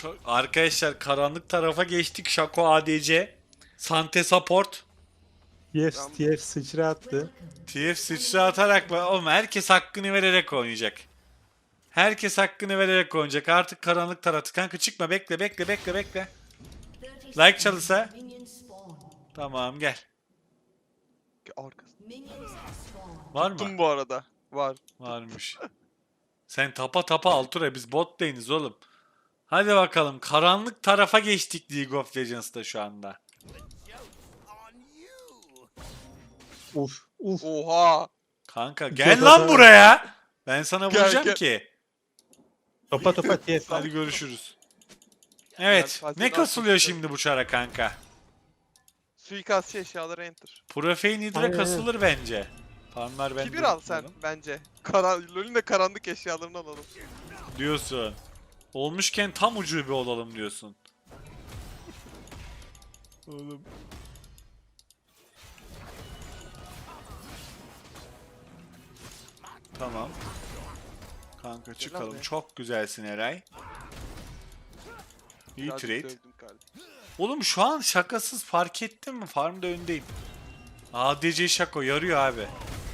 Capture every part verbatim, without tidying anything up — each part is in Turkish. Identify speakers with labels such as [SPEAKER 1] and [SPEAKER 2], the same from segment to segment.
[SPEAKER 1] Çok... Arkadaşlar karanlık tarafa geçtik. Shaco A D C. Sante support.
[SPEAKER 2] T F, T F sıçra attı.
[SPEAKER 1] T F sıçra atarak oğlum herkes hakkını vererek oynayacak. Herkes hakkını vererek oynayacak. Artık karanlık tarafı. Kanka çıkma, bekle bekle bekle bekle. Like çalısa. Tamam gel.
[SPEAKER 3] Arkası.
[SPEAKER 1] Var mı?
[SPEAKER 3] Tuttum bu arada. Var.
[SPEAKER 1] Varmış. Sen tapa tapa Altura, biz bot lane'iz oğlum. Hadi bakalım, karanlık tarafa geçtik League of Legends'ta şu anda.
[SPEAKER 2] Uf uf.
[SPEAKER 3] Oha.
[SPEAKER 1] Kanka gel
[SPEAKER 2] Topa
[SPEAKER 1] lan
[SPEAKER 2] topa.
[SPEAKER 1] buraya. Ben sana
[SPEAKER 3] Gel,
[SPEAKER 1] vuracağım
[SPEAKER 3] gel.
[SPEAKER 1] ki.
[SPEAKER 2] Topa topa T F.
[SPEAKER 1] Hadi görüşürüz. Evet.
[SPEAKER 3] Fatih
[SPEAKER 1] Ne
[SPEAKER 3] ne
[SPEAKER 1] kasılıyor
[SPEAKER 3] yapmıştı?
[SPEAKER 1] şimdi bu çara kanka?
[SPEAKER 3] Suikastçı eşyaları enter.
[SPEAKER 1] Profane Hydra
[SPEAKER 2] Aynen.
[SPEAKER 1] kasılır bence. Farmlar bende.
[SPEAKER 3] Kibir al sen bence. Karan LoL'ün de karanlık eşyalarını alalım.
[SPEAKER 1] Diyorsun. Olmuşken tam ucube olalım diyorsun. Oğlum. Tamam. Kanka çıkalım.
[SPEAKER 3] be.
[SPEAKER 1] Çok güzelsin Eray. İyi
[SPEAKER 3] Birazcık
[SPEAKER 1] trade.
[SPEAKER 3] dövdüm galiba.
[SPEAKER 1] Oğlum şu an şakasız fark ettin mi? Farmda öndeyim. A D C Şako yarıyor abi.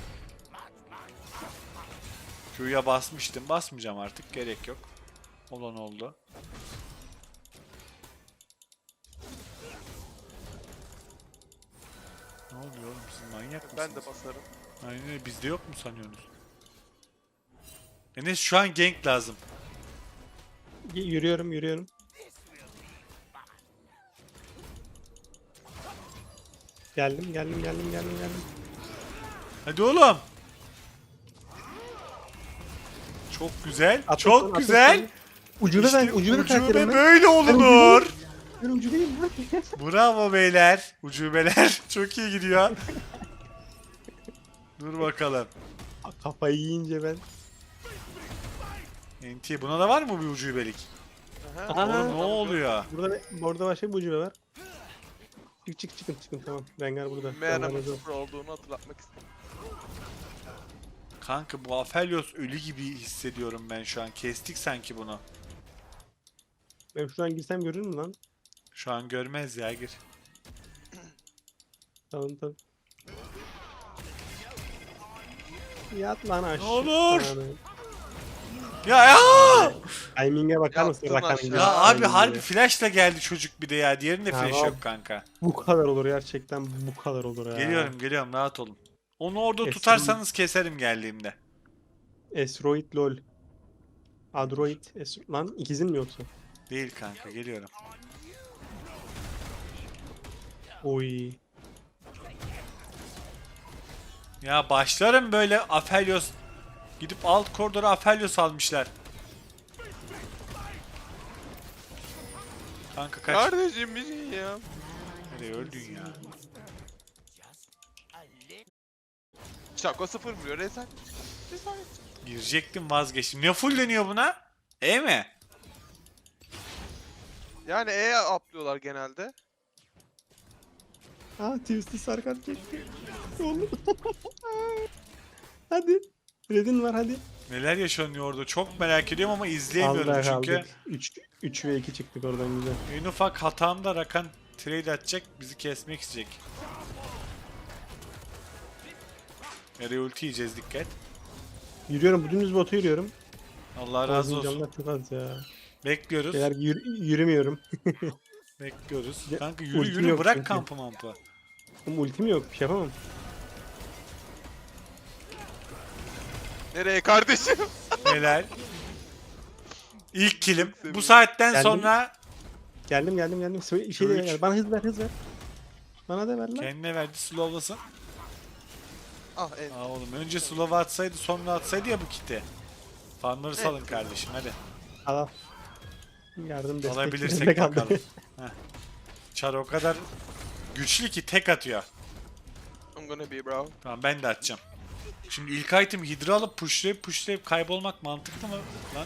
[SPEAKER 1] Q'ya basmıştım. Basmayacağım artık. Gerek yok. Olan oldu. Ne oluyor oğlum? Siz manyak mısınız?
[SPEAKER 3] Ben de basarım.
[SPEAKER 1] Aynen öyle. Bizde yok mu sanıyorsunuz? Enes şu an gank lazım.
[SPEAKER 2] Y- Yürüyorum yürüyorum. Geldim geldim geldim geldim geldim.
[SPEAKER 1] Hadi oğlum. Çok güzel.
[SPEAKER 2] Atlasın,
[SPEAKER 1] çok
[SPEAKER 2] atlasın.
[SPEAKER 1] güzel.
[SPEAKER 2] Ucube
[SPEAKER 1] İşte
[SPEAKER 2] ben ucube
[SPEAKER 1] ucube
[SPEAKER 2] karakterim ben.
[SPEAKER 1] böyle olunur.
[SPEAKER 2] Ben ucubeyim lan.
[SPEAKER 1] Bravo beyler. Ucubeler. Çok iyi gidiyor. Dur bakalım.
[SPEAKER 2] Kafayı yiyince ben.
[SPEAKER 1] N T buna da var mı bir ucubelik?
[SPEAKER 3] Aha.
[SPEAKER 2] Aha.
[SPEAKER 1] Oğlum ne oluyor?
[SPEAKER 2] Burada burada başka bir ucube var. Çık çık çıkın çıkın tamam. Rengar burada.
[SPEAKER 3] Meğer'in
[SPEAKER 2] Rengar burada.
[SPEAKER 3] sıfır olduğunu hatırlatmak istedim.
[SPEAKER 1] Kanka bu Aphelios ölü gibi hissediyorum ben şu an. Kestik sanki bunu.
[SPEAKER 2] Ben şuradan girsem görür mü lan?
[SPEAKER 1] Şu an görmez ya, gir.
[SPEAKER 2] Tamam tamam. Yat lan aşağı.
[SPEAKER 1] olur?
[SPEAKER 2] Tamam.
[SPEAKER 1] Ya ya!
[SPEAKER 2] Timing'e bakar mısın?
[SPEAKER 3] Yattın
[SPEAKER 2] Rakan
[SPEAKER 3] aşağı.
[SPEAKER 2] gibi.
[SPEAKER 1] Ya abi
[SPEAKER 2] Timing'e.
[SPEAKER 1] harbi flashla geldi çocuk bir de ya. Diğerinde flash
[SPEAKER 2] Tamam.
[SPEAKER 1] yok kanka.
[SPEAKER 2] Bu kadar olur gerçekten bu kadar olur ya.
[SPEAKER 1] Geliyorum geliyorum, rahat olun. Onu orada
[SPEAKER 2] Kesin.
[SPEAKER 1] tutarsanız keserim geldiğimde.
[SPEAKER 2] Esroid lol. Adroid. Es lan ikizin mi yoksa?
[SPEAKER 1] Değil kanka, geliyorum.
[SPEAKER 2] Oy.
[SPEAKER 1] Ya başlarım böyle Aphelios. Gidip alt koridora Aphelios almışlar. Kanka kaç.
[SPEAKER 3] Kardeşim bir şey ya.
[SPEAKER 1] Nereye öldün ya?
[SPEAKER 3] Şako sıfır vuruyor. Rezalet. Rezalet.
[SPEAKER 1] Girecektim, vazgeçtim. Ne full deniyor buna? E mi?
[SPEAKER 3] Yani E'ye atlıyorlar genelde.
[SPEAKER 2] Aa Twisty sarkan çekti. Oğlum. hadi. Red'in var hadi.
[SPEAKER 1] Neler yaşanıyor orada çok merak ediyorum ama izleyemiyorum
[SPEAKER 2] Allah
[SPEAKER 1] çünkü.
[SPEAKER 2] aldık. üç ve iki çıktık oradan güzel.
[SPEAKER 1] En ufak hatamda Rakan trade atacak, bizi kesmek isteyecek. Nereye ulti yiyeceğiz, dikkat.
[SPEAKER 2] Yürüyorum bu dümdüz botu yürüyorum.
[SPEAKER 1] Allah razı
[SPEAKER 2] Bazı
[SPEAKER 1] olsun.
[SPEAKER 2] canlar çok az ya.
[SPEAKER 1] Bekliyoruz.
[SPEAKER 2] Beyler yürü- yürümüyorum.
[SPEAKER 1] Bekliyoruz.
[SPEAKER 2] Ya,
[SPEAKER 1] Kanka yürü
[SPEAKER 2] ultim
[SPEAKER 1] yürü,
[SPEAKER 2] yok
[SPEAKER 1] bırak
[SPEAKER 2] çünkü.
[SPEAKER 1] kampı mampı.
[SPEAKER 2] Oğlum ultim yok bir şey yapamam.
[SPEAKER 3] Nereye kardeşim?
[SPEAKER 1] Neler? İlk kilim. Bu
[SPEAKER 3] sevindim.
[SPEAKER 1] saatten
[SPEAKER 2] Geldim.
[SPEAKER 1] sonra
[SPEAKER 2] Geldim geldim geldim. Söyle, şey de
[SPEAKER 1] Üç.
[SPEAKER 2] ver. Bana hız ver hız ver. Bana da ver lan.
[SPEAKER 1] kendine verdi, slowlasın.
[SPEAKER 3] Ah evet.
[SPEAKER 1] Aa oğlum, önce slow atsaydı sonra atsaydı ya bu kiti. Farmları salın kardeşim, hadi.
[SPEAKER 2] Al al. Yardım destek.
[SPEAKER 1] Alabilirsek
[SPEAKER 2] destek aldı.
[SPEAKER 1] bakalım. Heh. Çar o kadar güçlü ki tek atıyor.
[SPEAKER 3] I'm gonna be bro.
[SPEAKER 1] Tamam, ben de atacağım. Şimdi ilk item Hydra alıp pushlayıp pushlayıp kaybolmak mantıklı mı lan?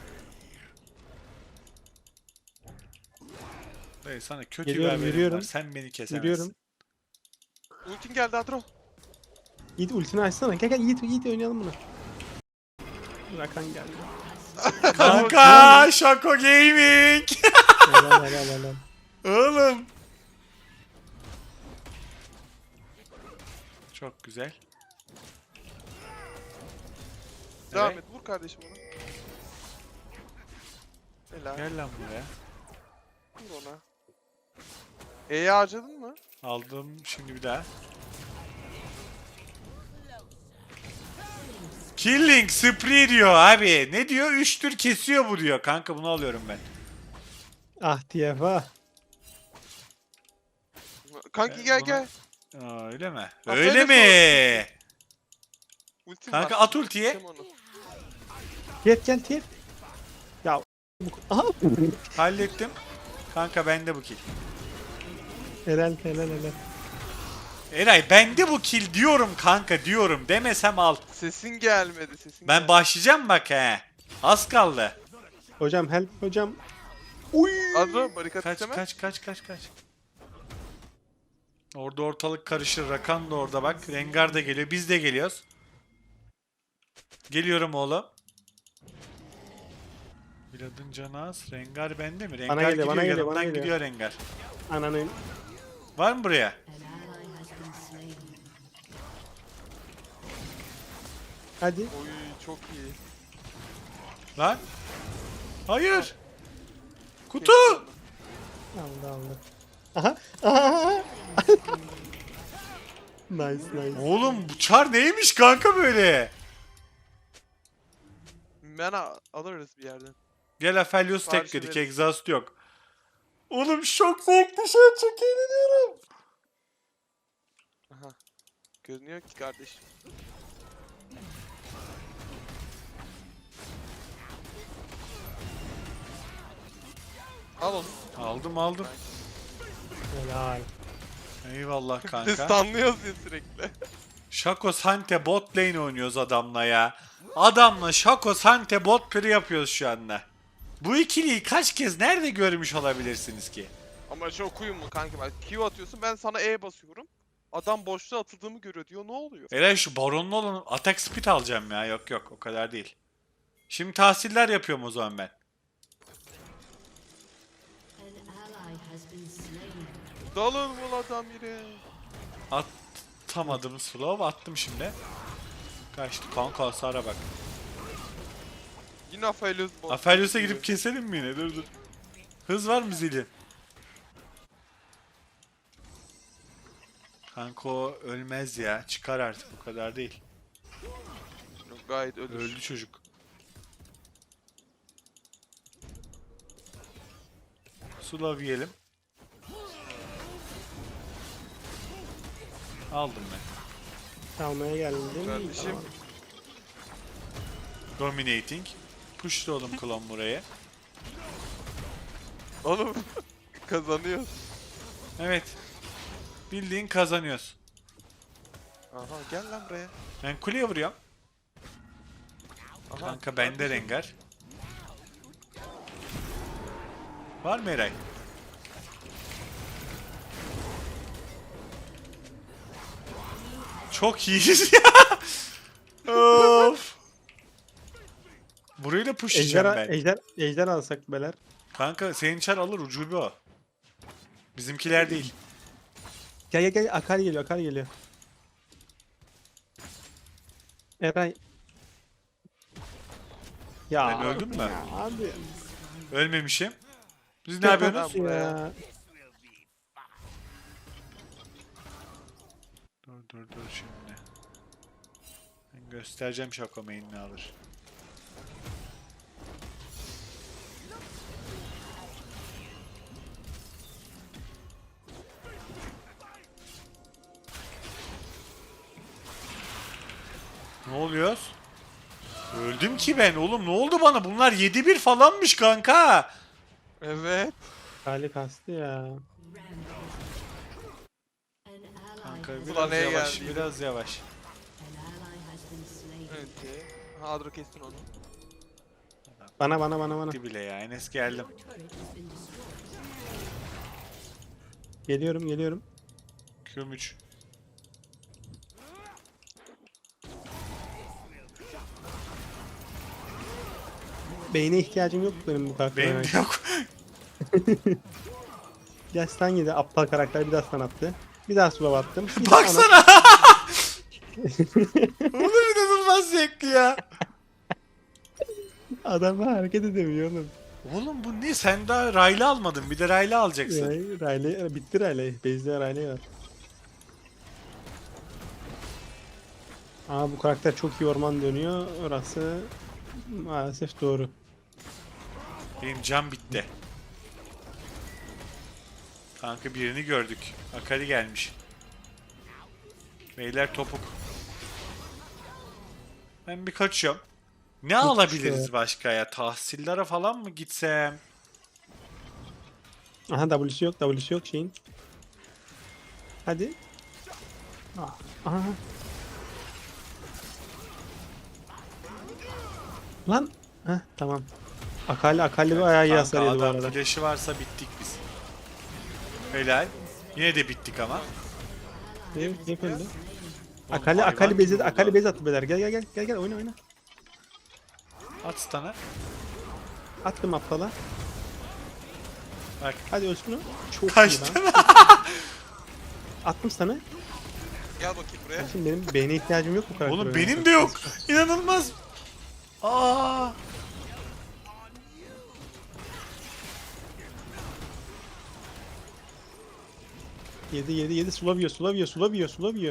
[SPEAKER 1] Dayı sana kötü
[SPEAKER 2] Geliyorum,
[SPEAKER 1] bir haberim
[SPEAKER 2] yürüyorum.
[SPEAKER 1] var. Sen beni kesemezsin.
[SPEAKER 2] Yürüyorum.
[SPEAKER 3] Ultin geldi Adro.
[SPEAKER 2] Yiğit ultini açsana. Gel gel Yiğit Yiğit oynayalım bunu. Rakan geldi.
[SPEAKER 1] Kanka Şako Gaming.
[SPEAKER 2] Helal helal helal.
[SPEAKER 1] Oğlum. Çok güzel.
[SPEAKER 3] Devam
[SPEAKER 1] Evet.
[SPEAKER 3] et vur kardeşim ona. Helal.
[SPEAKER 1] Gel lan buraya.
[SPEAKER 3] Vur ona. E'yi harcadın mı?
[SPEAKER 1] Aldım şimdi bir daha. Killing spree diyor abi. Ne diyor? Üç tür kesiyor bu diyor. Kanka bunu alıyorum ben.
[SPEAKER 2] Ah T F ah.
[SPEAKER 3] Kanki
[SPEAKER 1] Ben
[SPEAKER 3] gel
[SPEAKER 1] bunu-
[SPEAKER 3] gel.
[SPEAKER 1] Aa, öyle mi?
[SPEAKER 3] Aferin
[SPEAKER 1] Öyle
[SPEAKER 3] sana.
[SPEAKER 1] mi?
[SPEAKER 3] Ultim
[SPEAKER 1] Kanka
[SPEAKER 3] var.
[SPEAKER 1] at ultiye.
[SPEAKER 3] Keseceğim onu.
[SPEAKER 2] Gel gel T F. Ya. bu- Aha.
[SPEAKER 1] Hallettim. Kanka bende bu kill.
[SPEAKER 2] Helal helal helal.
[SPEAKER 1] Eray bende bu kill diyorum kanka diyorum. Demesem al.
[SPEAKER 3] Sesin gelmedi sesin
[SPEAKER 1] Ben
[SPEAKER 3] gelmedi.
[SPEAKER 1] başlayacağım bak he. Az kaldı.
[SPEAKER 2] Hocam help hocam.
[SPEAKER 3] Adro barikat
[SPEAKER 1] Kaç
[SPEAKER 3] isteme.
[SPEAKER 1] kaç kaç kaç kaç. Orada ortalık karışır. Rakan da orada bak. Rengar da geliyor. Biz de geliyoruz. Geliyorum oğlum. Vlad'ın canı az. Rengar bende mi? Rengar
[SPEAKER 2] Bana geliyor,
[SPEAKER 1] gidiyor.
[SPEAKER 2] bana geliyor,
[SPEAKER 1] yanımdan
[SPEAKER 2] bana geliyor.
[SPEAKER 1] gidiyor Rengar.
[SPEAKER 2] Ananın.
[SPEAKER 1] Var mı buraya?
[SPEAKER 2] Hadi.
[SPEAKER 3] Oy çok iyi.
[SPEAKER 1] Lan. Hayır. Kutu.
[SPEAKER 2] Aldı aldı. Aha. Aha. Nice nice.
[SPEAKER 1] Oğlum bu çar neymiş kanka böyle?
[SPEAKER 3] Mana alırız bir yerden.
[SPEAKER 1] Gel Aphelios
[SPEAKER 3] Sipariş
[SPEAKER 1] tekledik.
[SPEAKER 3] veririz.
[SPEAKER 1] Exhaust yok. Oğlum çok zevkli şey. Çok eğleniyorum.
[SPEAKER 3] Aha. Görünüyor ki kardeşim. Al onu.
[SPEAKER 1] Aldım aldım.
[SPEAKER 2] Helal.
[SPEAKER 1] Eyvallah
[SPEAKER 3] Biz
[SPEAKER 1] kanka.
[SPEAKER 3] stunlıyoruz ya sürekli.
[SPEAKER 1] Şako Sante bot lane oynuyoruz adamla ya. Adamla Şako Sante bot piri yapıyoruz şu anda. Bu ikiliyi kaç kez nerede görmüş olabilirsiniz ki?
[SPEAKER 3] Ama çok uyum mu kanki bak Q atıyorsun ben sana E basıyorum. Adam boşluğa atıldığımı görüyor diyor ne oluyor?
[SPEAKER 1] Eray şu baronlu olan attack speed alacağım ya. Yok yok o kadar değil. Şimdi tahsiller yapıyorum o zaman ben.
[SPEAKER 3] Dalın mı adam yine?
[SPEAKER 1] Atamadım slow attım şimdi. Kaçtı kanka hasara bak.
[SPEAKER 3] Yine Aphelios bot.
[SPEAKER 1] Aphelios'a gidip keselim mi yine? Dur dur. Hız var mı zili? Kanka o ölmez ya. Çıkar artık o kadar değil.
[SPEAKER 3] Yok, gayet ölür.
[SPEAKER 1] Öldü çocuk. Slow yiyelim. Aldım ben.
[SPEAKER 2] Almaya geldim değil mi?
[SPEAKER 3] Kardeşim.
[SPEAKER 2] Tamam.
[SPEAKER 1] Dominating. Push'lu oğlum klon buraya.
[SPEAKER 3] Oğlum kazanıyoruz.
[SPEAKER 1] Evet. Bildiğin kazanıyoruz.
[SPEAKER 3] Aha gel lan buraya.
[SPEAKER 1] Ben kuleye vuruyorum.
[SPEAKER 3] Aha,
[SPEAKER 1] Kanka bende
[SPEAKER 3] kardeşim.
[SPEAKER 1] Rengar. Var mı Eray? Çok iyiyiz ya. Of. Burayı da pushlayacağım
[SPEAKER 2] Ejder,
[SPEAKER 1] ben.
[SPEAKER 2] ejder, ejder alsak beler.
[SPEAKER 1] Kanka senin çar alır ucube o. Bizimkiler değil.
[SPEAKER 2] Gel gel gel Akali geliyor Akali geliyor. Eray. Ya.
[SPEAKER 1] Ben öldüm mü?
[SPEAKER 2] ya Abi.
[SPEAKER 1] Ölmemişim. Siz ne yapıyorsunuz?
[SPEAKER 2] Nasıl ya?
[SPEAKER 1] Dur dur dur şimdi. Ben göstereceğim Şako main'ini alır. Ne oluyor? Öldüm ki ben oğlum ne oldu bana? Bunlar yedi bir falanmış kanka.
[SPEAKER 3] Evet.
[SPEAKER 2] Akali kastı ya.
[SPEAKER 1] Kanka
[SPEAKER 3] Ulan
[SPEAKER 1] biraz
[SPEAKER 3] neye
[SPEAKER 1] yavaş,
[SPEAKER 3] geldi?
[SPEAKER 1] biraz yavaş.
[SPEAKER 3] Evet. Ha Adro kestin onu.
[SPEAKER 2] Bana bana bana bana.
[SPEAKER 1] Gitti bile ya. Enes geldim.
[SPEAKER 2] Geliyorum geliyorum.
[SPEAKER 1] Q'm üç.
[SPEAKER 2] Beyne ihtiyacım yok benim bu karaktere.
[SPEAKER 1] Benim de yok.
[SPEAKER 2] Gel stun yedi aptal karakter bir daha stun attı. Bir daha slow attım. Bir daha
[SPEAKER 1] Baksana. Oğlum inanılmaz zevkli ya.
[SPEAKER 2] ona- Adam hareket edemiyor oğlum.
[SPEAKER 1] Oğlum bu ne? Sen daha Raylı almadın. Bir de Raylı alacaksın.
[SPEAKER 2] Yani Riley, bitti Riley. Base'de Riley var. Aa bu karakter çok iyi orman dönüyor. Orası maalesef doğru.
[SPEAKER 1] Benim cam bitti. Kanka birini gördük. Akali gelmiş. Beyler topuk. Ben bir kaçıyorum. Ne alabiliriz
[SPEAKER 2] işte.
[SPEAKER 1] başka ya? Tahsillere falan mı gitsem?
[SPEAKER 2] Aha W'si yok, W'si yok şeyin. Hadi. Ah, aha. Lan. Heh tamam. Akali Akali bir ayağı iyi
[SPEAKER 1] Kanka
[SPEAKER 2] hasar yedi bu
[SPEAKER 1] adam
[SPEAKER 2] arada.
[SPEAKER 1] flash'ı varsa bittik biz. Helal. Yine de bittik ama.
[SPEAKER 2] Ne, ne öldü?
[SPEAKER 1] Oğlum
[SPEAKER 2] Akali
[SPEAKER 1] hayvan
[SPEAKER 2] Akali
[SPEAKER 1] gibi
[SPEAKER 2] bezi
[SPEAKER 1] oldu.
[SPEAKER 2] Akali bezi attı beyler. Gel gel gel gel gel oyna oyna.
[SPEAKER 1] At stun'ı.
[SPEAKER 2] Attım aptala.
[SPEAKER 1] Bak.
[SPEAKER 2] Hadi ölsün o. Çok
[SPEAKER 1] Kaçtı.
[SPEAKER 2] iyi lan. Attım sana.
[SPEAKER 3] Gel bakayım buraya.
[SPEAKER 2] Şimdi benim beyne ihtiyacım yok bu karakter.
[SPEAKER 1] Oğlum
[SPEAKER 2] oynamak
[SPEAKER 1] benim
[SPEAKER 2] için.
[SPEAKER 1] de yok. İnanılmaz. Aa.
[SPEAKER 2] Yedi yedi yedi sulavıyor sulavıyor sulavıyor sulavıyor.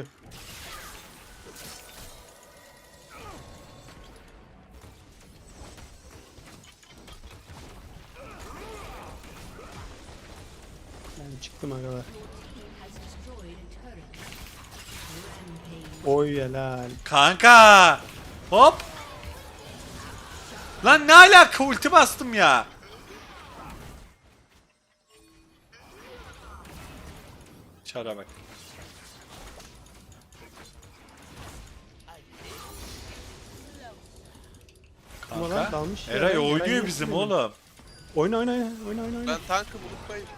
[SPEAKER 2] Ben çıktım agalar. Oy helal.
[SPEAKER 1] Kanka. Hop. Lan ne alaka, ulti bastım ya. Çara bak.
[SPEAKER 2] Ama lan
[SPEAKER 1] Kanka.
[SPEAKER 2] dalmış ya.
[SPEAKER 1] Eray
[SPEAKER 2] Ben-
[SPEAKER 1] oynuyor
[SPEAKER 2] ben
[SPEAKER 1] bizim
[SPEAKER 2] yetişemedim.
[SPEAKER 1] oğlum.
[SPEAKER 2] Oyna oyna oyna oyna oyna. oyna.
[SPEAKER 3] Ben tankı buluttayım.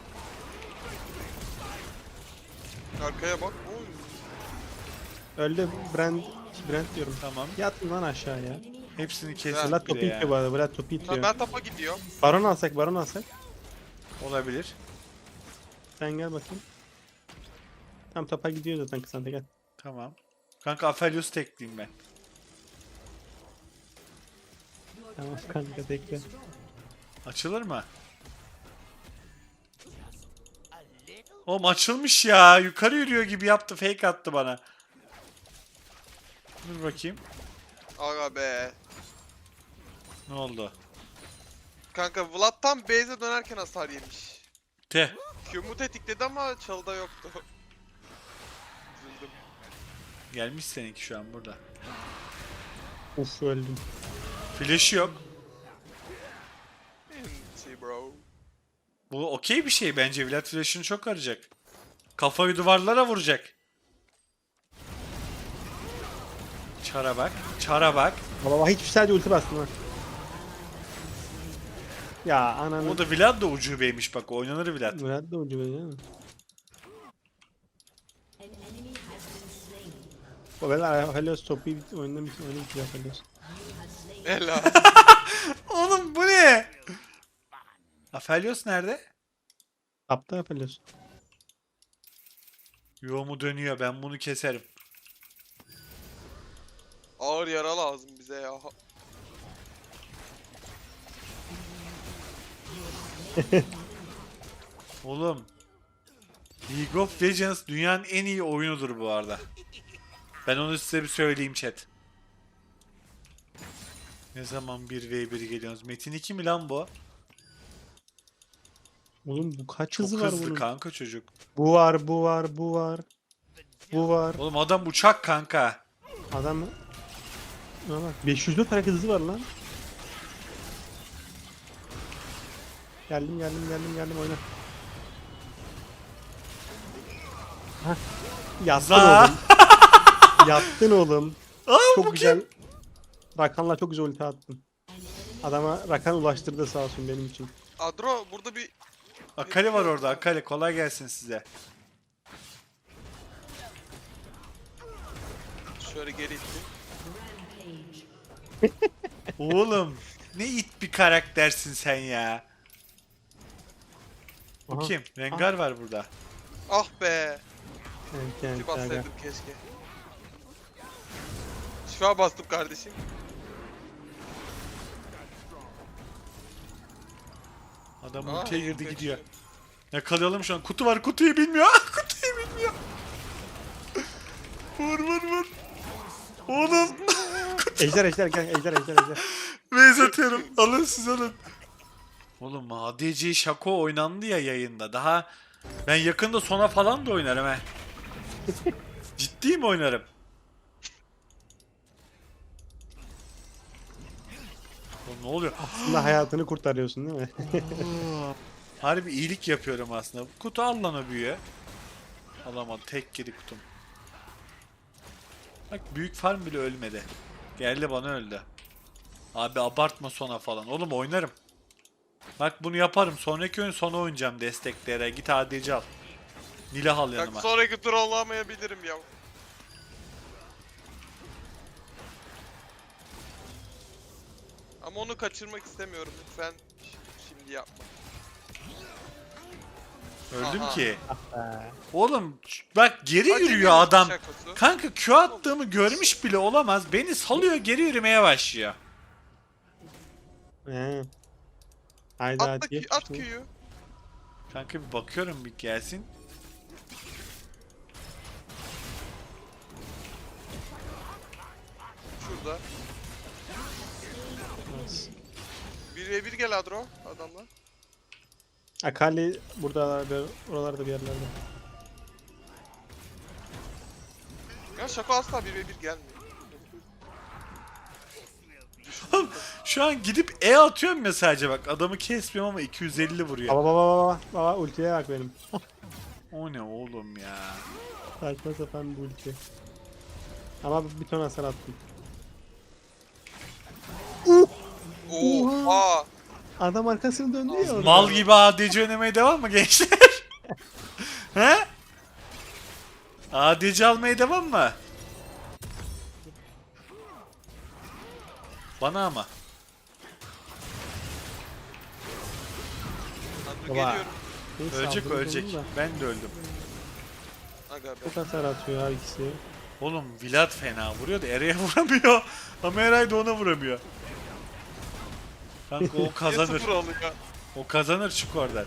[SPEAKER 3] Arkaya bak. Oy.
[SPEAKER 2] Öldü Brand Brand diyorum.
[SPEAKER 1] Tamam.
[SPEAKER 2] Yatın lan aşağıya.
[SPEAKER 1] Hepsini
[SPEAKER 3] Vlad
[SPEAKER 1] kestik
[SPEAKER 2] Vlad
[SPEAKER 1] bir
[SPEAKER 2] topu
[SPEAKER 1] de
[SPEAKER 2] itiyor
[SPEAKER 1] ya.
[SPEAKER 2] bu arada. Vlad topu
[SPEAKER 3] Tamam,
[SPEAKER 2] itiyor.
[SPEAKER 3] ben tapa gidiyorum.
[SPEAKER 2] Baron alsak baron alsak.
[SPEAKER 1] Olabilir.
[SPEAKER 2] Sen gel bakayım. Tam topa gidiyor zaten kısan gel.
[SPEAKER 1] Tamam. Kanka Aphelios tekleyeyim ben.
[SPEAKER 2] Tamam kanka tekle.
[SPEAKER 1] Açılır mı? Oğlum açılmış ya. Yukarı yürüyor gibi yaptı. Fake attı bana. Dur bakayım.
[SPEAKER 3] Aga be.
[SPEAKER 1] Ne oldu?
[SPEAKER 3] Kanka Vlad tam base'e dönerken hasar yemiş.
[SPEAKER 1] Teh.
[SPEAKER 3] Q'mu tetikledi ama çalıda yoktu. Üzüldüm.
[SPEAKER 1] Gelmiş seninki şu an burada.
[SPEAKER 2] Uf öldüm.
[SPEAKER 1] Flash'ı yok.
[SPEAKER 3] Enti bro.
[SPEAKER 1] Bu okey bir şey bence. Vlad flash'ını çok arayacak. Kafayı duvarlara vuracak. Çara bak. Çara bak.
[SPEAKER 2] Baba hiçbir sadece ulti bastım ha. Ya ananı.
[SPEAKER 1] O da Vlad da ucubeymiş bak. Oynanır Vlad.
[SPEAKER 2] Vlad da ucu böyle değil mi? O böyle Helios topu bit oyunda bit oyunda bitiyor Helios.
[SPEAKER 3] Helal.
[SPEAKER 1] Oğlum bu ne? Aphelios nerede?
[SPEAKER 2] Tapta Helios.
[SPEAKER 1] Yoğumu dönüyor. Ben bunu keserim.
[SPEAKER 3] Ağır yara lazım bize ya.
[SPEAKER 1] Oğlum. League of Legends dünyanın en iyi oyunudur bu arada. Ben onu size bir söyleyeyim chat. Ne zaman bir ve bir geliyorsunuz? Metin iki mi lan bu?
[SPEAKER 2] Oğlum bu kaç
[SPEAKER 1] Çok
[SPEAKER 2] hızı var
[SPEAKER 1] hızlı
[SPEAKER 2] bunun?
[SPEAKER 1] kanka çocuk.
[SPEAKER 2] Bu var, bu var, bu var. Bu var.
[SPEAKER 1] Oğlum adam uçak kanka.
[SPEAKER 2] Adam Buna bak beş yüz dört hareket hızı var lan. Geldim geldim geldim geldim oyna. Hah. Yattın
[SPEAKER 1] Za.
[SPEAKER 2] oğlum. Yattın oğlum.
[SPEAKER 1] Aa, bu
[SPEAKER 2] Çok güzel. Rakan'la çok güzel ulti attın. Adama Rakan ulaştırdı sağ olsun benim için.
[SPEAKER 3] Adro burada bir
[SPEAKER 1] Akali var orada. Akali kolay gelsin size.
[SPEAKER 3] şöyle geri ittim.
[SPEAKER 1] Oğlum. Ne it bir karaktersin sen ya. Bu
[SPEAKER 2] Aha.
[SPEAKER 1] kim? Rengar var burada.
[SPEAKER 3] Ah be.
[SPEAKER 2] Evet, yani,
[SPEAKER 3] Ulti
[SPEAKER 2] aga.
[SPEAKER 3] bassaydım keşke. Şifa bastım kardeşim.
[SPEAKER 1] Adam
[SPEAKER 3] Aa,
[SPEAKER 1] ultiye girdi
[SPEAKER 3] kaçıyor.
[SPEAKER 1] gidiyor. Yakalayalım şu an. Kutu var, kutuyu bilmiyor. Ah, kutuyu bilmiyor. Vur vur vur. Oğlum.
[SPEAKER 2] Ejder ejder gel ejder ejder ejder.
[SPEAKER 1] Beyz atıyorum. Alın siz alın. Oğlum A D C Shaco oynandı ya yayında. Daha ben yakında sona falan da oynarım he. Ciddi mi oynarım? Oğlum ne oluyor?
[SPEAKER 2] Aslında hayatını kurtarıyorsun değil mi?
[SPEAKER 1] Harbi iyilik yapıyorum aslında. Kutu al lan o büyüğü. Alamadım. Tek geri kutum. Bak büyük farm bile ölmedi. Geldi bana öldü. Abi abartma sona falan. Oğlum oynarım. Bak bunu yaparım. Sonraki oyun sona oynayacağım desteklere. Git A D C al. Nilah al
[SPEAKER 3] Bak
[SPEAKER 1] yanıma.
[SPEAKER 3] sonraki tur olamayabilirim ya. Ama onu kaçırmak istemiyorum. Lütfen şimdi yapma.
[SPEAKER 1] Öldüm
[SPEAKER 3] Aha.
[SPEAKER 1] ki.
[SPEAKER 2] Ee,
[SPEAKER 1] Oğlum bak geri
[SPEAKER 3] Hadi
[SPEAKER 1] yürüyor
[SPEAKER 3] bir
[SPEAKER 1] adam.
[SPEAKER 3] şakası.
[SPEAKER 1] Kanka Q attığımı görmüş bile olamaz. Beni salıyor geri yürümeye başlıyor.
[SPEAKER 2] He. Haydi
[SPEAKER 3] At,
[SPEAKER 2] hadi.
[SPEAKER 3] da, at Q'yu.
[SPEAKER 1] Kanka bir bakıyorum bir gelsin.
[SPEAKER 3] Şurada. bir ve bir gel Adro adamla.
[SPEAKER 2] Akali burada oralarda bir yerlerde.
[SPEAKER 3] Ya şaka asla bir ve bir gelmiyor.
[SPEAKER 1] Şu an gidip E atıyorum ya sadece bak. Adamı kesmiyorum ama iki yüz elli vuruyor.
[SPEAKER 2] Baba baba baba baba ultiye bak benim.
[SPEAKER 1] O ne oğlum ya.
[SPEAKER 2] Saçma sapan bir ulti. Ama bir ton hasar attım.
[SPEAKER 3] Oha.
[SPEAKER 2] Adam arkasını döndü ya orada.
[SPEAKER 1] Mal gibi A D C oynamaya devam mı gençler? He? A D C almaya devam mı? Bana ama.
[SPEAKER 3] Adro
[SPEAKER 2] Baba.
[SPEAKER 3] geliyorum.
[SPEAKER 2] Neyse,
[SPEAKER 1] Ölecek
[SPEAKER 2] aldınız
[SPEAKER 1] ölecek.
[SPEAKER 2] onu da.
[SPEAKER 1] Ben de öldüm.
[SPEAKER 3] Aga be.
[SPEAKER 2] Çok hasar atıyor her ikisi.
[SPEAKER 1] Oğlum Vlad fena vuruyor da Eray'a vuramıyor. Ama Eray da ona vuramıyor. Kanka o kazanır.
[SPEAKER 3] sıfır alıyor.
[SPEAKER 1] O kazanır çık oradan.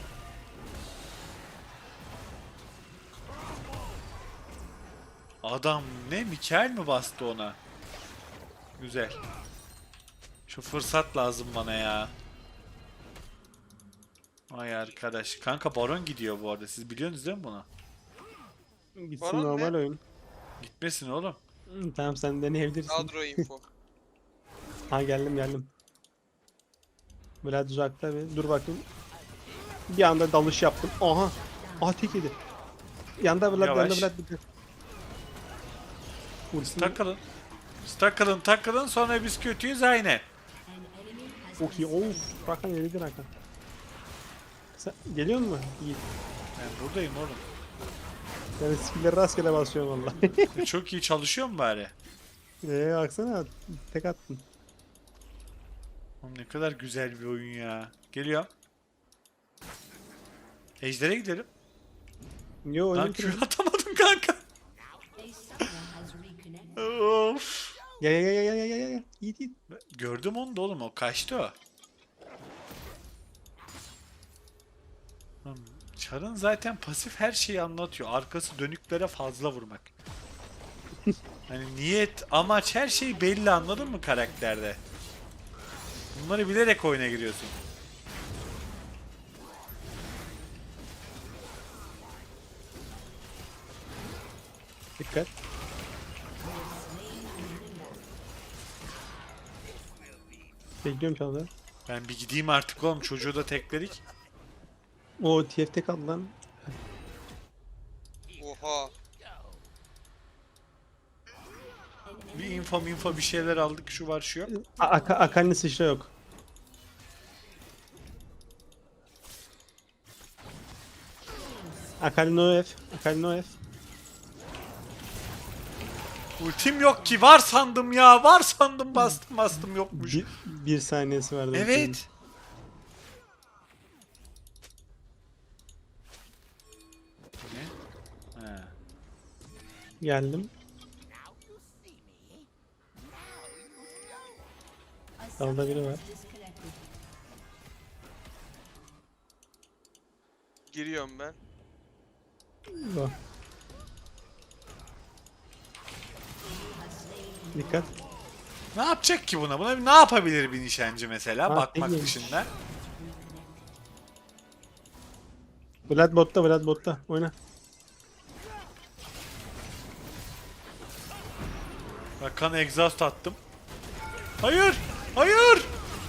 [SPEAKER 1] Adam ne Mikael mi bastı ona? Güzel. Şu fırsat lazım bana ya. Ay arkadaş. Kanka Baron gidiyor bu arada. Siz biliyorsunuz değil mi bunu?
[SPEAKER 2] Gitsin
[SPEAKER 3] Baron
[SPEAKER 2] normal
[SPEAKER 3] ne?
[SPEAKER 2] oyun.
[SPEAKER 1] Gitmesin oğlum.
[SPEAKER 2] Hı, tamam sen deneyebilirsin.
[SPEAKER 3] Adro info.
[SPEAKER 2] Ha geldim geldim. Vlad uzakta bir. Dur bakayım. Bir anda dalış yaptım. Aha. Aha tek yedi. Yanda Vlad
[SPEAKER 1] Yavaş.
[SPEAKER 2] yanda Vlad bitti. Ultisini
[SPEAKER 1] Takılın. Siz takılın takılın sonra biz kötüyüz aynı.
[SPEAKER 2] çok iyi. Of. Rakan yedi Rakan. Sen geliyor mu? İyi.
[SPEAKER 1] Ben buradayım oğlum.
[SPEAKER 2] Yani skill'leri rastgele basıyorum valla.
[SPEAKER 1] Çok iyi çalışıyor mu bari?
[SPEAKER 2] Eee baksana tek attın.
[SPEAKER 1] Oğlum ne kadar güzel bir oyun ya. Geliyor. Ejder'e gidelim.
[SPEAKER 2] Yo
[SPEAKER 1] Lan
[SPEAKER 2] oyunu
[SPEAKER 1] Q
[SPEAKER 2] bitirdim.
[SPEAKER 1] atamadım kanka. Of.
[SPEAKER 2] Gel gel gel gel gel gel gel. Yiğit yiğit.
[SPEAKER 1] Gördüm onu da oğlum o kaçtı o. Oğlum, Char'ın zaten pasif her şeyi anlatıyor. Arkası dönüklere fazla vurmak. Hani niyet, amaç her şey belli anladın mı karakterde? Bunları bilerek oyuna giriyorsun.
[SPEAKER 2] Dikkat. Bekliyorum çaldı.
[SPEAKER 1] Ben bir gideyim artık oğlum çocuğu da tekledik.
[SPEAKER 2] O T F T kaldı lan.
[SPEAKER 3] Oha.
[SPEAKER 1] Bir info info bir şeyler aldık şu var şu yok.
[SPEAKER 2] A- Aka Akali'nin sıçra yok. Akali no F. Akali no F.
[SPEAKER 1] Ultim yok ki. Var sandım ya. Var sandım bastım bastım yokmuş.
[SPEAKER 2] Bir, bir saniyesi vardı.
[SPEAKER 1] Evet. Ne? Ha.
[SPEAKER 2] Geldim. Dalda biri var.
[SPEAKER 3] Giriyorum ben.
[SPEAKER 2] Bak. Dikkat.
[SPEAKER 1] Ne yapacak ki buna? Buna ne yapabilir bir nişancı mesela?
[SPEAKER 2] Ha,
[SPEAKER 1] Bakmak
[SPEAKER 2] bilmiyorum.
[SPEAKER 1] dışında.
[SPEAKER 2] Vlad botta, Vlad botta. Oyna.
[SPEAKER 1] Rakan exhaust attım. Hayır! Hayır!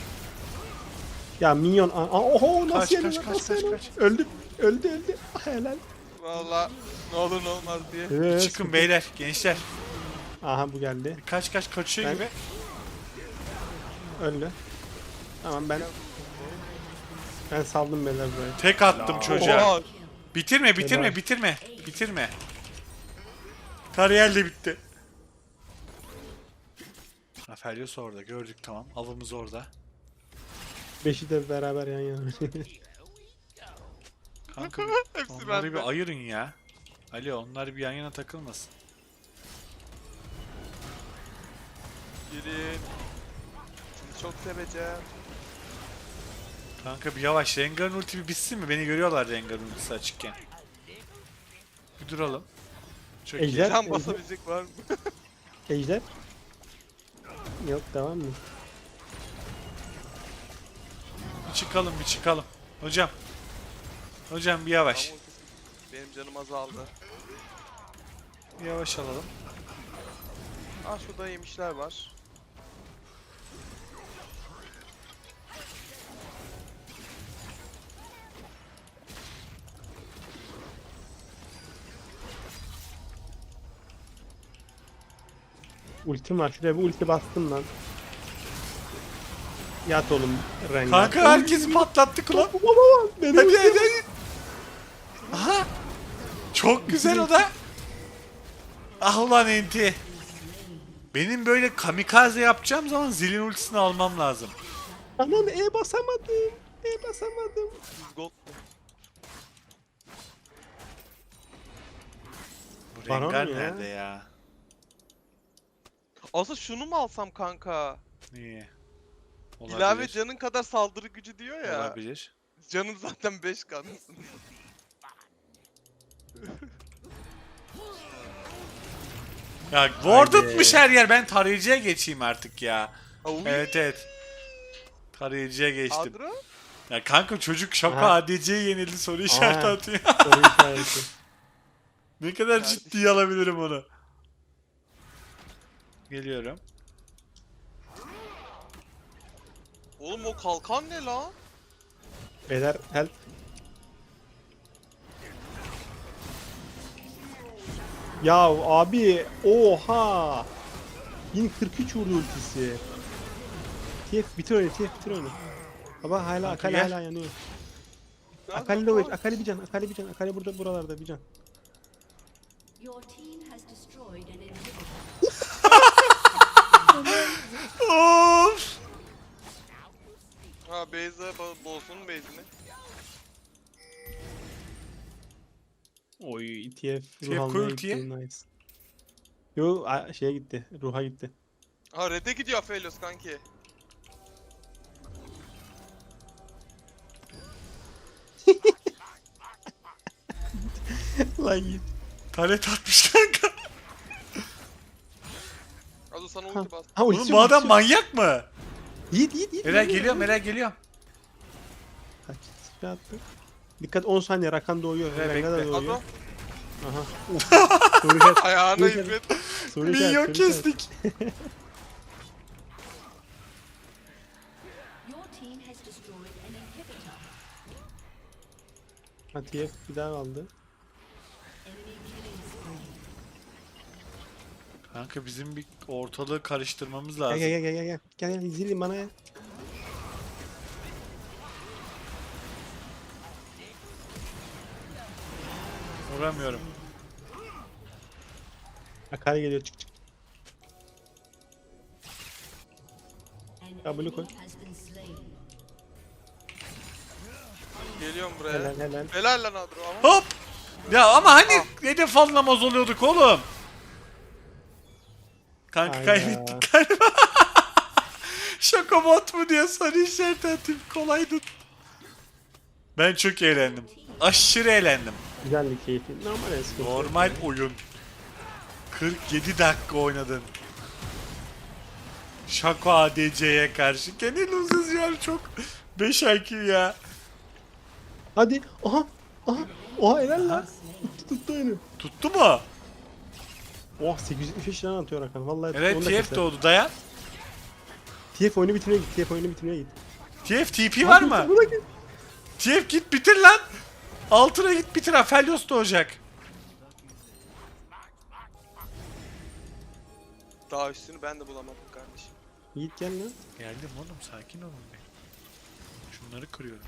[SPEAKER 2] Ya minyon. Aa, oho nasıl
[SPEAKER 1] Kaç,
[SPEAKER 2] yedi
[SPEAKER 1] kaç,
[SPEAKER 2] lan,
[SPEAKER 1] kaç,
[SPEAKER 2] nasıl
[SPEAKER 1] kaç,
[SPEAKER 2] yedi?
[SPEAKER 1] kaç.
[SPEAKER 2] Öldü. Öldü öldü. Ah, helal.
[SPEAKER 3] Valla ne olur ne olmaz diye.
[SPEAKER 2] Evet.
[SPEAKER 1] Çıkın beyler, gençler.
[SPEAKER 2] Aha bu geldi.
[SPEAKER 1] Kaç kaç kaçıyor
[SPEAKER 2] Ben-
[SPEAKER 1] gibi.
[SPEAKER 2] Öldü. Tamam ben ben saldım beyler burayı.
[SPEAKER 1] Tek attım çocuğa.
[SPEAKER 3] Oha.
[SPEAKER 1] Bitirme, bitirme,
[SPEAKER 2] Helal.
[SPEAKER 1] bitirme. Bitirme. Kariyer de bitti. Aphelios orada, gördük tamam. Avımız orada.
[SPEAKER 2] Beşi de beraber yan yana.
[SPEAKER 1] Kanka
[SPEAKER 3] Hepsi
[SPEAKER 1] onları
[SPEAKER 3] bende.
[SPEAKER 1] bir ayırın ya. Ali onlar bir yan yana takılmasın.
[SPEAKER 3] Girin. Sizi çok seveceğim.
[SPEAKER 1] Kanka bir yavaş. Rengar'ın ulti bir bitsin mi? Beni görüyorlar Rengar'ın ultisi açıkken. Bir duralım. Çok iyi.
[SPEAKER 2] Ejder,
[SPEAKER 3] Can
[SPEAKER 2] ejder,
[SPEAKER 3] basabilecek var mı?
[SPEAKER 2] ejder. Yok devam mı?
[SPEAKER 1] Bir çıkalım, bir çıkalım. Hocam. Hocam bir yavaş.
[SPEAKER 3] Ama benim canım azaldı.
[SPEAKER 1] Bir yavaş alalım.
[SPEAKER 3] Ah şurada yemişler var.
[SPEAKER 2] Ultim var. Şuraya bir ulti bastım lan. Yat oğlum Rengar.
[SPEAKER 1] Kanka herkesi patlattık lan.
[SPEAKER 2] Baba baba. Benim
[SPEAKER 1] Hadi
[SPEAKER 2] ultim.
[SPEAKER 1] hadi hadi. Aha. Çok güzel o da. Ah ulan enti. Benim böyle kamikaze yapacağım zaman zilin ultisini almam lazım.
[SPEAKER 2] Anan E basamadım. E basamadım.
[SPEAKER 3] yüz gold.
[SPEAKER 1] Bu
[SPEAKER 2] Baron
[SPEAKER 1] Rengar
[SPEAKER 2] ya.
[SPEAKER 1] nerede ya?
[SPEAKER 3] Aslında şunu mu alsam kanka?
[SPEAKER 1] İyi. Olabilir.
[SPEAKER 3] İlave canın kadar saldırı gücü diyor ya.
[SPEAKER 1] Olabilir.
[SPEAKER 3] Canın zaten beş kanısın.
[SPEAKER 1] Ya wardetmış her yer. Ben tarayıcıya geçeyim artık ya. Evet evet. Tarayıcıya geçtim.
[SPEAKER 3] Adro?
[SPEAKER 1] Ya kanka çocuk şaka
[SPEAKER 2] Aha.
[SPEAKER 1] A D C'ye yenildi soru işareti
[SPEAKER 2] Aha.
[SPEAKER 1] atıyor.
[SPEAKER 2] Soru işareti.
[SPEAKER 1] Ne kadar
[SPEAKER 3] Kardeşim.
[SPEAKER 1] ciddiye alabilirim onu. Geliyorum.
[SPEAKER 3] Oğlum o kalkan ne la?
[SPEAKER 2] Beyler help. Ya abi oha. bin kırk üç vurdu ultisi. T F bitir oyunu, T F bitir oyunu. Baba hala
[SPEAKER 1] Kanka
[SPEAKER 2] Akali
[SPEAKER 1] gel.
[SPEAKER 2] hala yanıyor.
[SPEAKER 3] Nerede
[SPEAKER 2] Akali de
[SPEAKER 3] o?
[SPEAKER 2] o Akali bir can, Akali bir can, Akali burada buralarda bir can.
[SPEAKER 4] Your team has destroyed an inhibitor.
[SPEAKER 1] Of!
[SPEAKER 3] Ha Beyza bo- bozsun Beyzini.
[SPEAKER 2] Oy T F
[SPEAKER 1] T F
[SPEAKER 2] ruh almaya
[SPEAKER 1] koy
[SPEAKER 2] gitti,
[SPEAKER 1] ultiye.
[SPEAKER 2] nice. Yo a- şeye gitti, ruha gitti.
[SPEAKER 3] Ha Red'e gidiyor Aphelios kanki.
[SPEAKER 2] Lan git.
[SPEAKER 1] Taret atmış kanka.
[SPEAKER 3] Azo sana
[SPEAKER 2] Ha,
[SPEAKER 3] ulti bas.
[SPEAKER 2] ha
[SPEAKER 1] Oğlum
[SPEAKER 2] ultisi
[SPEAKER 1] bu
[SPEAKER 2] yok,
[SPEAKER 1] adam
[SPEAKER 2] ultisi yok.
[SPEAKER 1] manyak mı?
[SPEAKER 2] Yiğit yiğit yiğit.
[SPEAKER 1] Meral
[SPEAKER 2] geliyor,
[SPEAKER 1] geliyorum,
[SPEAKER 2] geliyor.
[SPEAKER 1] Meral geliyorum.
[SPEAKER 2] Kaç sıfır attı. Dikkat on saniye Rakan doğuyor.
[SPEAKER 1] Evet,
[SPEAKER 2] Rengar da
[SPEAKER 1] bekle.
[SPEAKER 2] doğuyor.
[SPEAKER 3] Azo
[SPEAKER 2] Aha. Uf. Soru işareti.
[SPEAKER 3] ayağına
[SPEAKER 2] Soru işareti.
[SPEAKER 3] hizmet.
[SPEAKER 2] Soru işareti,
[SPEAKER 1] Minyon
[SPEAKER 2] soru işareti.
[SPEAKER 1] kestik.
[SPEAKER 4] Your team has destroyed an inhibitor.
[SPEAKER 2] Ha T F bir daha aldı.
[SPEAKER 4] Enemy killing spree.
[SPEAKER 1] Kanka bizim bir ortalığı karıştırmamız
[SPEAKER 2] Gel
[SPEAKER 1] lazım.
[SPEAKER 2] gel gel gel gel. Gel gel zilin bana gel.
[SPEAKER 1] Vuramıyorum.
[SPEAKER 2] Akali geliyor çık çık. W koy.
[SPEAKER 4] Has been slain.
[SPEAKER 3] Geliyorum buraya.
[SPEAKER 2] Helal helal.
[SPEAKER 3] Helal lan Adro ama.
[SPEAKER 1] Hop. Ya ama hani hedef alınamaz oluyorduk oğlum. Kanka
[SPEAKER 2] Hayda.
[SPEAKER 1] kaybettik galiba. Şaka bot mu diye soru işareti atayım, kolaydı. Ben çok eğlendim. Aşırı eğlendim.
[SPEAKER 2] Güzeldi, keyifli. Normal eski.
[SPEAKER 1] Normal oyun. kırk yedi dakika oynadın. Şako A D C'ye karşı. Kendi losers ya çok. beş I Q ya.
[SPEAKER 2] Hadi. Aha. Aha. Oha helal lan. Tuttu tuttu oyunu.
[SPEAKER 1] Tuttu mu?
[SPEAKER 2] Oh sekiz yüz yetmiş beş lira atıyor Hakan. Vallahi
[SPEAKER 1] Evet
[SPEAKER 2] onu da
[SPEAKER 1] T F
[SPEAKER 2] keser.
[SPEAKER 1] doğdu, dayan.
[SPEAKER 2] T F oyunu bitirmeye git. T F oyunu bitirmeye git.
[SPEAKER 1] T F T P var mı?
[SPEAKER 2] Buna git.
[SPEAKER 1] T F git bitir lan. Altına git bitir, Aphelios doğacak.
[SPEAKER 3] Daha üstünü ben de bulamadım kardeşim.
[SPEAKER 2] Yiğit gel lan.
[SPEAKER 1] Geldim oğlum, sakin olun be. Şunları kırıyorum.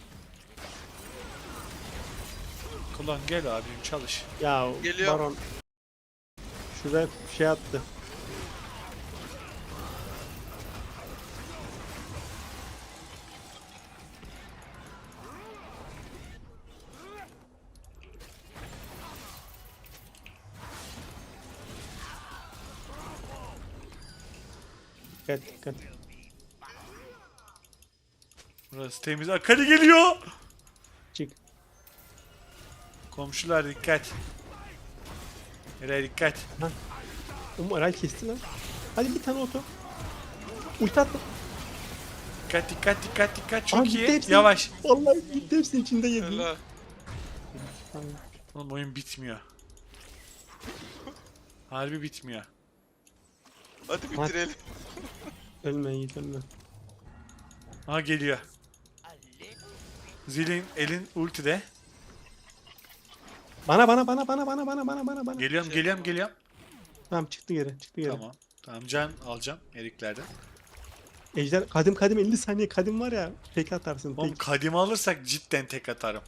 [SPEAKER 1] Kullan gel abim, çalış.
[SPEAKER 2] Ya
[SPEAKER 3] Geliyor.
[SPEAKER 2] Baron. Şuraya şey attı. Dikkat dikkat.
[SPEAKER 1] Burası temiz. Akali geliyor.
[SPEAKER 2] Çık.
[SPEAKER 1] Komşular dikkat. Nereye dikkat.
[SPEAKER 2] Oğlum Aray kesti lan. Hadi bir tane oto. Ulti attı.
[SPEAKER 1] Dikkat dikkat dikkat dikkat. Çok
[SPEAKER 2] Aa, gitti
[SPEAKER 1] iyi.
[SPEAKER 2] hepsi.
[SPEAKER 1] Yavaş.
[SPEAKER 2] Vallahi gitti hepsinin içinde yedi.
[SPEAKER 3] Helal.
[SPEAKER 2] Tamam.
[SPEAKER 1] Oğlum oyun bitmiyor. Harbi bitmiyor.
[SPEAKER 3] Hadi bitirelim.
[SPEAKER 2] Ölme Yiğit ölme.
[SPEAKER 1] Aha geliyor. Zilin elin ultide.
[SPEAKER 2] Bana bana bana bana bana bana bana bana bana.
[SPEAKER 1] Geliyorum geliyorum geliyorum.
[SPEAKER 2] Tamam çıktı geri çıktı geri.
[SPEAKER 1] Tamam. Tamam can alacağım eriklerden.
[SPEAKER 2] Ejder kadim kadim elli saniye kadim var ya. Peki atarsın
[SPEAKER 1] Oğlum
[SPEAKER 2] peki.
[SPEAKER 1] kadimi alırsak cidden tek atarım.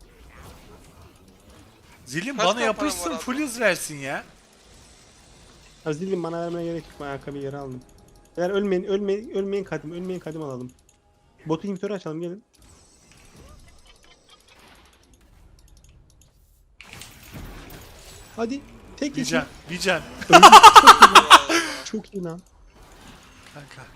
[SPEAKER 1] Zilin
[SPEAKER 3] Kaç
[SPEAKER 1] bana
[SPEAKER 3] tane
[SPEAKER 1] yapışsın,
[SPEAKER 3] param var
[SPEAKER 1] full
[SPEAKER 3] abi?
[SPEAKER 1] hız versin ya.
[SPEAKER 2] Aziz'im bana vermeye gerek yok. Ben ayakkabıyı geri aldım. Eğer ölmeyin ölmeyin ölmeyin kadim ölmeyin kadim alalım. Botu inhibitörü açalım gelin. Hadi. Tek
[SPEAKER 1] Bir
[SPEAKER 2] yesin.
[SPEAKER 1] can, bir can.
[SPEAKER 2] Çok iyi lan.
[SPEAKER 1] Kanka.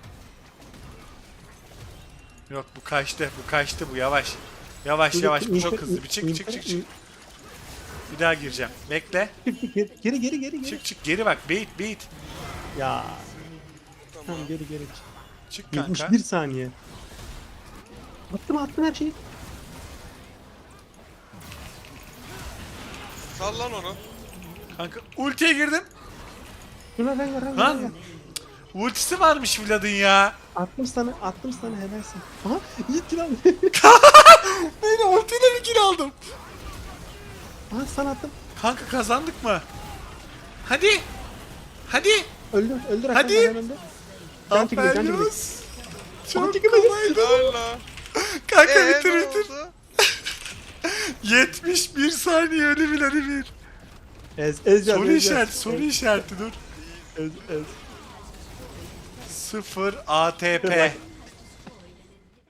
[SPEAKER 1] Yok bu kaçtı, bu kaçtı, bu yavaş. Yavaş yavaş, bu çok hızlı. Bir çık çık çık çık. Bir daha gireceğim. Bekle.
[SPEAKER 2] Geri geri geri geri.
[SPEAKER 1] Çık çık geri bak. Bait bait.
[SPEAKER 2] Ya.
[SPEAKER 3] Tamam.
[SPEAKER 2] Tamam geri geri.
[SPEAKER 1] Çık kanka.
[SPEAKER 2] yetmiş bir saniye. Attım attım her şeyi.
[SPEAKER 3] Sallan onu.
[SPEAKER 1] Kanka ultiye girdim.
[SPEAKER 2] Şuna ver ver ver.
[SPEAKER 1] Lan.
[SPEAKER 2] ver.
[SPEAKER 1] Ultisi varmış Vlad'ın ya.
[SPEAKER 2] Attım sana attım sana helalsin. Aha Yiğit lan.
[SPEAKER 1] Beni ultiyle bir kill aldım.
[SPEAKER 2] Aha sana attım.
[SPEAKER 1] Kanka kazandık mı? Hadi. Hadi.
[SPEAKER 2] Öldür öldür
[SPEAKER 1] Hadi.
[SPEAKER 2] Hakan, hemen öldür. Can çekildi can çekildi.
[SPEAKER 1] Aferin.
[SPEAKER 2] Can
[SPEAKER 1] Çok
[SPEAKER 2] çekildi.
[SPEAKER 1] kolaydı.
[SPEAKER 3] Helal lan.
[SPEAKER 1] Kanka
[SPEAKER 3] Eee
[SPEAKER 1] bitir
[SPEAKER 3] ne
[SPEAKER 1] bitir.
[SPEAKER 3] oldu?
[SPEAKER 1] yetmiş bir saniye ölü bir ölü bir.
[SPEAKER 2] Ez ez can.
[SPEAKER 1] Soru
[SPEAKER 2] ez can.
[SPEAKER 1] işareti, soru işareti dur.
[SPEAKER 2] Ez ez.
[SPEAKER 1] sıfır A T P.